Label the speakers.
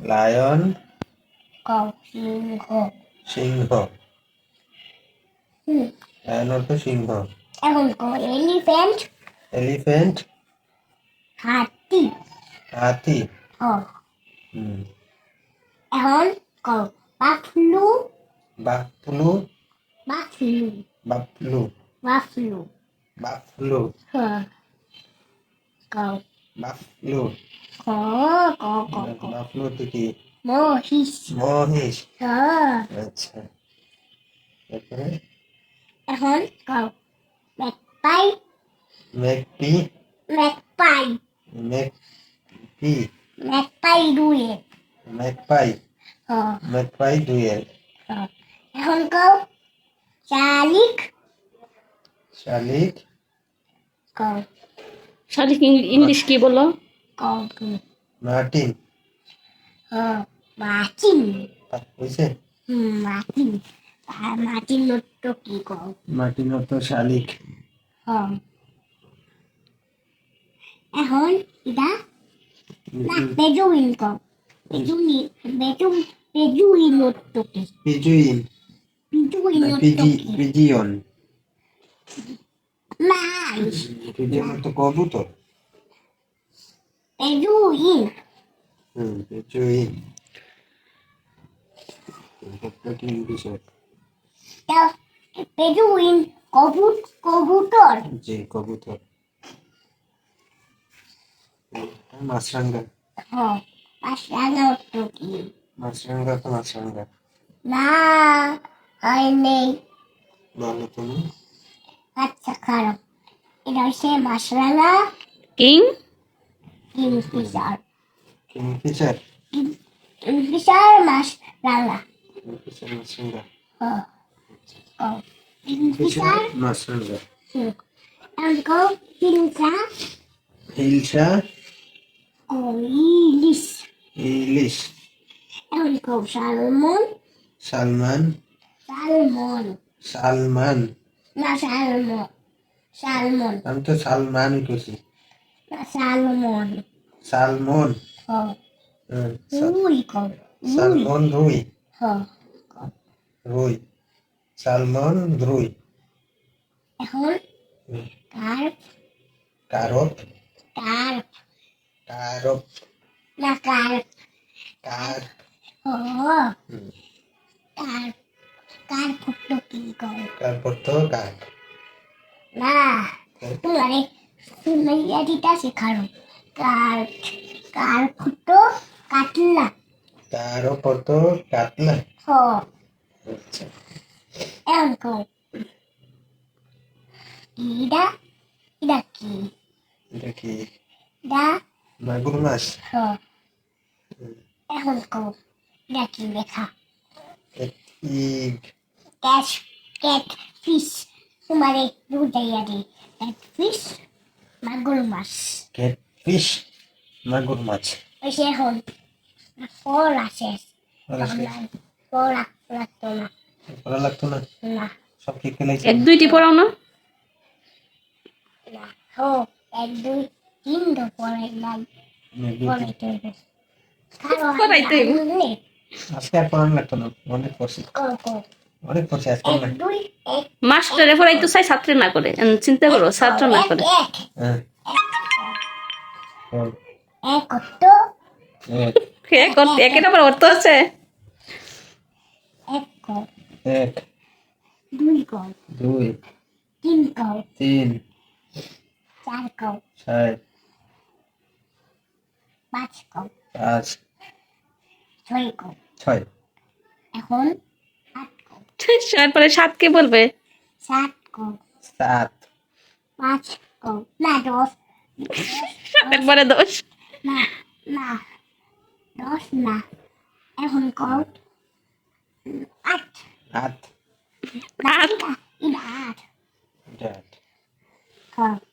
Speaker 1: Lion
Speaker 2: কও সিংহ।
Speaker 1: সিংহ। Lion অর্থ সিংহ।
Speaker 2: এখন কও এলিফ্যান্ট।
Speaker 1: এলিফ্যান্ট
Speaker 2: হাতি।
Speaker 1: হাতি।
Speaker 2: হ।
Speaker 1: হুম।
Speaker 2: এখন কও বাফলু।
Speaker 1: বাফলু
Speaker 2: বাফলু।
Speaker 1: বাফলু
Speaker 2: বাফলু।
Speaker 1: বাফলু
Speaker 2: হ। কও
Speaker 1: বাফলু।
Speaker 2: ক ক ক ক
Speaker 1: বাফলু তো কি?
Speaker 2: মহিষ।
Speaker 1: মহিষ।
Speaker 2: হ।
Speaker 1: আচ্ছা, তারপরে
Speaker 2: এখন কও magpie.
Speaker 1: Magpie.
Speaker 2: Magpie.
Speaker 1: Magpie.
Speaker 2: Magpie দুয়ে।
Speaker 1: ম্যাকপাই।
Speaker 2: হ।
Speaker 1: ম্যাকপাই দুয়েল।
Speaker 2: হ। এখন কও শালিক।
Speaker 1: শালিক।
Speaker 2: কও
Speaker 3: শালিক ইংলিশ কি বলো?
Speaker 2: কও তুমি।
Speaker 1: মার্টিন।
Speaker 2: হ। মার্টিন।
Speaker 1: বুঝছে?
Speaker 2: মার্টিন। আর মার্টিন তো কি কও?
Speaker 1: মার্টিন অর্থ শালিক।
Speaker 2: হ। এখন এটা না বেজুইন কও। বেজুইন বেজুইন বেজুইন তো কি?
Speaker 1: পিজুইন।
Speaker 2: বেজুইন তো কি?
Speaker 1: পিজিয়ন।
Speaker 2: না
Speaker 1: পিজিয়ন অর্থ কবুতর।
Speaker 2: বেজুইন।
Speaker 1: পিজুইন। কি বিষয়?
Speaker 2: বেজুইন কবুতর।
Speaker 1: জি, কবুতর। মাছরাঙ্গা।
Speaker 2: হ। মাছরাঙা তো কি?
Speaker 1: মাছরাঙ্গা তো মাছরাঙ্গা।
Speaker 2: না হয় নেই।
Speaker 1: বলো তুমি।
Speaker 2: আচ্ছা খারাপ। এটা হচ্ছে মাছরাঙা
Speaker 3: কিং
Speaker 2: কিংফিশার।
Speaker 1: কিংফিশার।
Speaker 2: কিংফিশার মাছরাঙা।
Speaker 1: কিংফিশার মাছরাঙ্গা।
Speaker 2: হ। কও
Speaker 1: কিংফিশার
Speaker 2: কিংফিশার।
Speaker 1: মাছরাঙ্গা।
Speaker 2: এখন কও হিংসা।
Speaker 1: হিলসা।
Speaker 2: কও ইলিশ।
Speaker 1: ইলিশ।
Speaker 2: এখন কও সালমন।
Speaker 1: সালমান।
Speaker 2: সালমন।
Speaker 1: সালমান।
Speaker 2: না সালমন। সালমন।
Speaker 1: আমি তো সালমানই করছি।
Speaker 2: না সালমন।
Speaker 1: সালমন।
Speaker 2: হ।
Speaker 1: হুম,
Speaker 2: রুই কও রুই।
Speaker 1: সালমন রুই।
Speaker 2: হ। কও
Speaker 1: রুই। সালমন রুই।
Speaker 2: এখন কার্প।
Speaker 1: কারপ।
Speaker 2: কার্প।
Speaker 1: কারপ।
Speaker 2: না কার্প।
Speaker 1: কার।
Speaker 2: হ। কার্প। কার্প তো কি কও?
Speaker 1: তারপর তো কাক।
Speaker 2: না তোমারে মেয়েটিটা শেখানো। কার্প। কার্প তো কাটলা।
Speaker 1: তার উপর তো কাতলা।
Speaker 2: হ।
Speaker 1: আচ্ছা,
Speaker 2: এখন কও ইডা। ইডা কি?
Speaker 1: এটা কি?
Speaker 2: ইডা।
Speaker 1: মাগুর মাছ।
Speaker 2: হ। এখন কও ইডা কি লেখা?
Speaker 1: ইগ।
Speaker 2: ক্যাট। Catfish. তোমারে বুঝাইয়া দিই। ক্যাট ফিশ মাগুর মাছ।
Speaker 1: ক্যাটফিশ মাগুর মাছ।
Speaker 2: ওই সে এখন ফল আছে।
Speaker 1: পড়া শেষ?
Speaker 2: পড়া লাগতো না।
Speaker 1: পড়া লাগতো না?
Speaker 2: না
Speaker 1: সব ঠিক ফেলাইছে?
Speaker 3: এক দুইটি পড়াও না?
Speaker 2: না হো এক দুই তিন তো পড়াই নাই। পড়াইতে হবে। কারো
Speaker 3: পড়াইতে হইব।
Speaker 2: আনলে
Speaker 1: আজকে আর পড়ানো লাগতো না, অনেক পড়ছি।
Speaker 2: কও
Speaker 1: অনেক পড়ছি আজকে
Speaker 2: এক
Speaker 1: না।
Speaker 2: দুই এক
Speaker 3: মাস্টারে পড়াইতে চাই, ছাত্রে না করে। চিন্তা করো, ছাত্র না
Speaker 2: এক
Speaker 3: করে।
Speaker 2: এক
Speaker 1: হ্যাঁ। বল।
Speaker 2: এক কত?
Speaker 1: এক।
Speaker 3: একের আবার অর্থ আছে।
Speaker 2: এক কও।
Speaker 1: এক।
Speaker 2: দুই কও।
Speaker 1: দুই।
Speaker 2: তিন কও।
Speaker 1: তিন।
Speaker 2: চার কও।
Speaker 1: চার।
Speaker 2: পাঁচ কও।
Speaker 1: পাঁচ।
Speaker 2: ছয় কও।
Speaker 1: ছয়।
Speaker 2: এখন আট কও।
Speaker 3: তারপরে সাতকে বলবে।
Speaker 2: সাত কও।
Speaker 1: সাত।
Speaker 2: পাঁচ কও। না দশ।
Speaker 3: একবারে 10।
Speaker 2: না না দশ না। এখন কও আট।
Speaker 1: আট।
Speaker 2: না
Speaker 3: আট।
Speaker 2: এটা এটা আট।
Speaker 1: এটা আট।
Speaker 2: কও